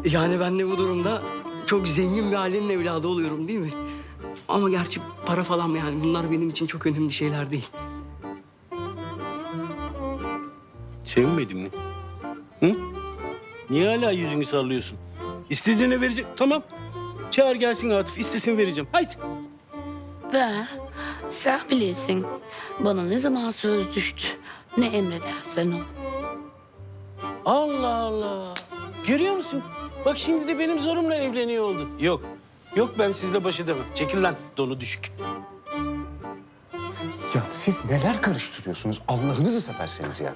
Yani ben de bu durumda çok zengin bir ailenin evladı oluyorum değil mi? Ama gerçi para falan yani bunlar benim için çok önemli şeyler değil. Sevinmedin mi? Hı? Niye hala yüzünü sallıyorsun? İstediğine verecek. Tamam. Çağır gelsin Atıf. İstesin vereceğim. Haydi. Ve sen bilirsin bana ne zaman söz düştü, ne emredersen o. Allah Allah. Görüyor musun? Bak şimdi de benim zorumla evleniyor oldu. Yok. Yok ben sizle baş edemem. Çekil lan. Donu düşük. Ya siz neler karıştırıyorsunuz? Allah'ınızı severseniz ya.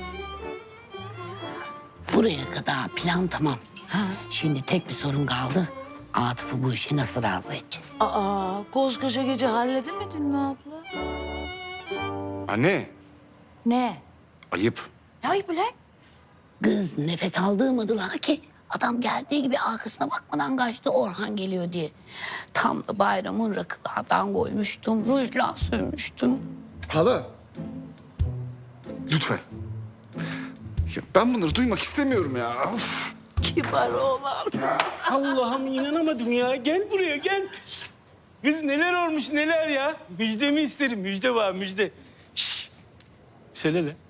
Buraya kadar plan tamam. Şimdi tek bir sorun kaldı. Atıf'ı bu işe nasıl razı edeceğiz? Aa, koskoca gece halledemedin mi abla? Anne, Ne? ayıp. Ay Bülent. Kız nefes aldırmadılar ki. Adam geldiği gibi arkasına bakmadan kaçtı Orhan geliyor diye. Tam da bayramın rakılardan koymuştum, rujla sürmüştüm. Hala. Lütfen. Ya ben bunları duymak istemiyorum ya. Of. Kibar oğlan. Allah'ım inanamadım ya. Gel buraya gel. Kız neler olmuş neler ya. Müjdemi isterim. Müjde var müjde. Şşş. Söyle lan.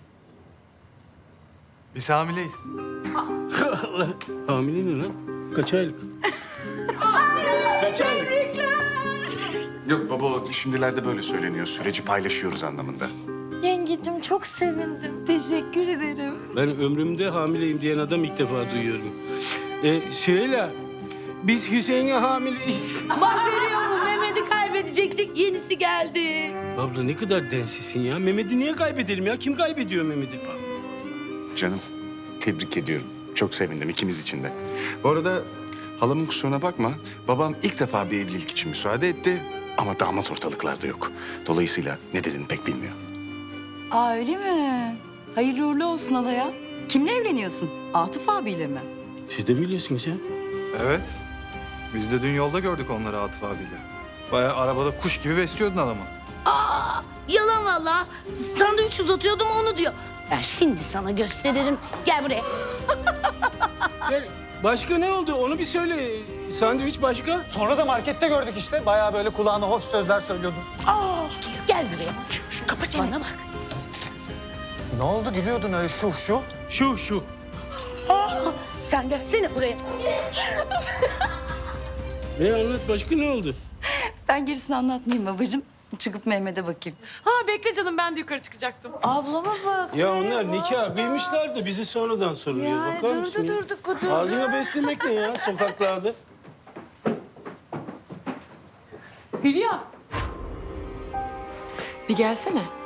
Biz hamileyiz. Allah. Hamile ne lan? Kaç aylık? Kaç aylık? Yok baba, şimdilerde böyle söyleniyor. Süreci paylaşıyoruz anlamında. Yengecim çok sevindim. Teşekkür ederim. Ben ömrümde hamileyim diyen adam ilk defa duyuyorum. Söyle. Biz Hüseyin'e hamileyiz. Bak görüyor musun? Mehmet'i kaybedecektik. Yenisi geldi. Abla ne kadar densisin ya. Mehmet'i niye kaybedelim ya? Kim kaybediyor Mehmet'i? Canım, tebrik ediyorum. Çok sevindim ikimiz için de. Bu arada halamın kusuruna bakma. Babam ilk defa bir evlilik için müsaade etti. Ama damat ortalıklarda yok. Dolayısıyla ne dediğini pek bilmiyor. Aa öyle mi? Hayırlı uğurlu olsun halaya. Kimle evleniyorsun? Atıf abiyle mi? Siz de biliyorsunuz ya. Evet. Biz de dün yolda gördük onları Atıf abiyle. Bayağı arabada kuş gibi besliyordun adamı. Aa, yalan valla. Sandviç uzatıyordum onu diyor. Ben şimdi sana gösteririm. Gel buraya. Gel. Başka ne oldu? Onu bir söyle. Sandviç başka? Sonra da markette gördük işte. Bayağı böyle kulağına hoş sözler söylüyordun. Gel buraya. Kapa çeneni. Bana bak. Ne oldu gülüyordun öyle şu? Şu. Sen gelsene buraya. Anlat başka ne oldu? Ben gerisini anlatmayayım babacığım. Çıkıp Mehmet'e bakayım. Ha bekle canım ben de yukarı çıkacaktım. Ablama bak. Ya be, onlar bak. nikah bilmişler de bizi sonradan soruyor. Yani Bakar mısın ya? durdu. Ağzına beslemek ne ya sokaklarda? Hülya. Bir gelsene.